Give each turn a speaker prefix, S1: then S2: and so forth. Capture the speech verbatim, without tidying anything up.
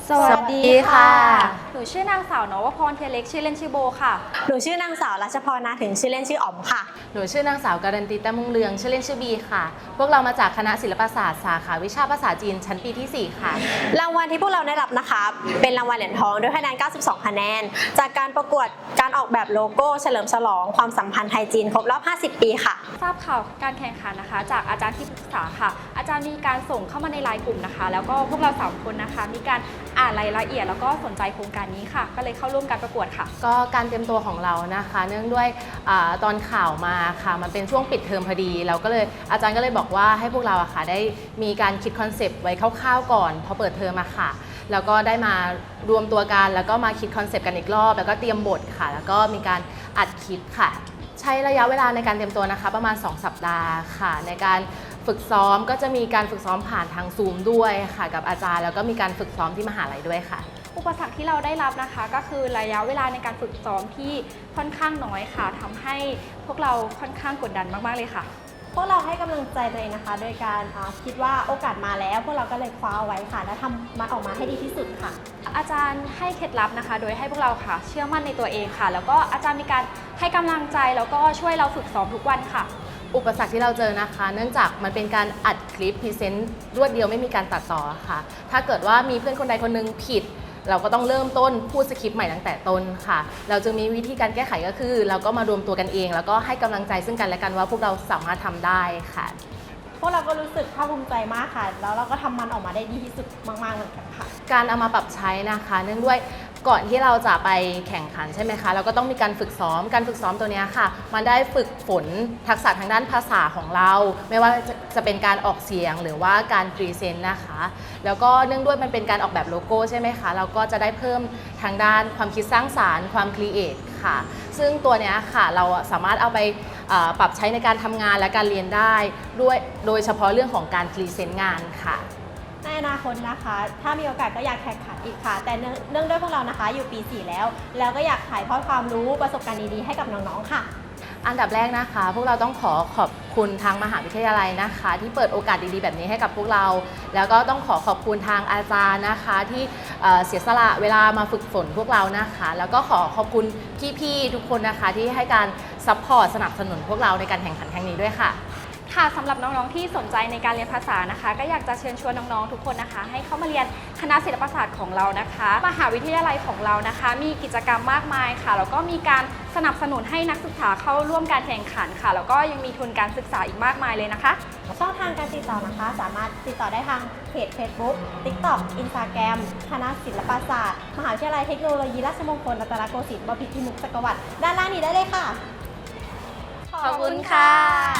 S1: สวัสดีค่ะ
S2: หนูชื่อนางสาวนวพรเทียเล็กชื่อเล่นชื่อโบค่ะ
S1: หนูชื่อนางสาวรัชพรนาถึงชื่อเล่นชื่ออ๋อมค่ะ
S3: หนูชื่อนางสาวการันตีแต้มมุ่งเรืองชื่อเล่นชื่อบีค่ะพวกเรามาจากคณะศิลปศาสตร์สาขาวิชาภาษาจีนชั้นปีที่สี่ค่ะ
S1: รางวัลที่พวกเราได้รับนะคะเป็นรางวัลเหรียญทองด้วยคะแนนเก้าสิบสองคะแนนจากการประกวดการออกแบบโลโก้เฉลิมฉลองความสัมพันธ์ไทยจีนครบรอบห้าสิบปีค่ะ
S2: ทราบข่าวการแข่งขันนะคะจากอาจารย์ที่ปรึกษาค่ะอาจารย์มีการส่งเข้ามาในไลน์กลุ่มนะคะแล้วก็พวกเราสามคนนะคะมีการอ่านรายละเอียดแล้วก็สนใจโครงการนี้ค่ะก็เลยเข้าร่วมการประกวดค่ะ
S3: ก็การเตรียมตัวของเรานะคะเนื่องด้วยอตอนข่าวมาค่ะมันเป็นช่วงปิดเทอมพอดีเราก็เลยอาจารย์ก็เลยบอกว่าให้พวกเราอะค่ะได้มีการคิดคอนเซปต์ไว้คร่าวๆก่อนพอเปิดเทอมมาค่ะแล้วก็ได้มารวมตัวกันแล้วก็มาคิดคอนเซปต์กันอีกรอบแล้วก็เตรียมบทค่ะแล้วก็มีการอัดคลิปค่ะใช้ระยะเวลาในการเตรียมตัวนะคะประมาณสองสัปดาห์ค่ะในการฝึกซ้อมก็จะมีการฝึกซ้อมผ่านทางซูมด้วยค่ะกับอาจารย์แล้วก็มีการฝึกซ้อมที่มหาลัยด้วยค่ะ
S2: อุปสรรคที่เราได้รับนะคะก็คือระยะเวลาในการฝึกซ้อมที่ค่อนข้างน้อยค่ะทำให้พวกเราค่อนข้างกดดันมากๆเลยค่ะ
S1: พวกเราให้กำลังใจตัวเองนะคะโดยการคิดว่าโอกาสมาแล้วพวกเราก็เลยคว้าไว้ค่ะและทำมันออกมาให้ดีที่สุดค่ะ
S2: อาจารย์ให้เคล็ดลับนะคะโดยให้พวกเราค่ะเชื่อมั่นในตัวเองค่ะแล้วก็อาจารย์มีการให้กำลังใจแล้วก็ช่วยเราฝึกซ้อมทุกวันค่ะ
S3: อุปสรรคที่เราเจอนะคะเนื่องจากมันเป็นการอัดคลิปพรีเซนต์รวดเดียวไม่มีการตัดต่อค่ะถ้าเกิดว่ามีเพื่อนคนใดคนหนึงผิดเราก็ต้องเริ่มต้นพูดสคริปต์ใหม่ตั้งแต่ต้นค่ะเราจึงมีวิธีการแก้ไขก็คือเราก็มารวมตัวกันเองแล้วก็ให้กำลังใจซึ่งกันและกันว่าพวกเราสามารถทำได้ค่ะ
S1: พวกเราก็รู้สึกภาคภูมิใจมากค่ะแล้วเราก็ทำมันออกมาได้ดีที่สุดมากๆเหมือนกันค่ะ
S3: การเอามาปรับใช้นะคะเนื่องด้วยก่อนที่เราจะไปแข่งขันใช่ไหมคะเราก็ต้องมีการฝึกซ้อมการฝึกซ้อมตัวนี้ค่ะมันได้ฝึกฝนทักษะทางด้านภาษาของเราไม่ว่าจะเป็นการออกเสียงหรือว่าการพรีเซนต์นะคะแล้วก็เนื่องด้วยมันเป็นการออกแบบโลโก้ใช่ไหมคะเราก็จะได้เพิ่มทางด้านความคิดสร้างสรรค์ความครีเอทค่ะซึ่งตัวนี้ค่ะเราสามารถเอาไปปรับใช้ในการทำงานและการเรียนได้ด้วยโดยเฉพาะเรื่องของการพรีเซนต์งานค่ะ
S1: ในอนาคตนะคะถ้ามีโอกาสก็อยากแข่งขันอีกค่ะแต่เนื่องด้วยพวกเรานะคะอยู่ปีสี่แล้วแล้วก็อยากถ่ายทอดความรู้ประสบการณ์ดีๆให้กับน้องๆค่ะ
S3: อันดับแรกนะคะพวกเราต้องขอขอบคุณทางมหาวิทยาลัยนะคะที่เปิดโอกาสดีๆแบบนี้ให้กับพวกเราแล้วก็ต้องขอขอบคุณทางอาจารย์นะคะที่เสียสละเวลามาฝึกฝนพวกเรานะคะแล้วก็ขอขอบคุณพี่ๆทุกคนนะคะที่ให้การซัพพอร์ตสนับสนุนพวกเราในการแข่งขันครั้งนี้ด้วยค่ะ
S2: ค่ะสำหรับน้องๆที่สนใจในการเรียนภาษานะคะก็อยากจะเชิญชวนน้องๆทุกคนนะคะให้เข้ามาเรียนคณะศิลปศาสตร์ของเรานะคะมหาวิทยาลัยของเรานะคะมีกิจกรรมมากมายค่ะแล้วก็มีการสนับสนุนให้นักศึกษาเข้าร่วมการแข่งขันค่ะแล้วก็ยังมีทุนการศึกษาอีกมากมายเลยนะคะ
S1: ช่องทางการติดต่อนะคะสามารถติดต่อได้ทางเพจ Facebook TikTok Instagram คณะศิลปศาสตร์มหาวิทยาลัยเทคโนโลยีราชมงคลรัตนโกสินทร์บพิตรพิมุขจักรวรรดิด้านล่างนี้ได้เลยค่ะ
S3: ขอบคุณค่ะ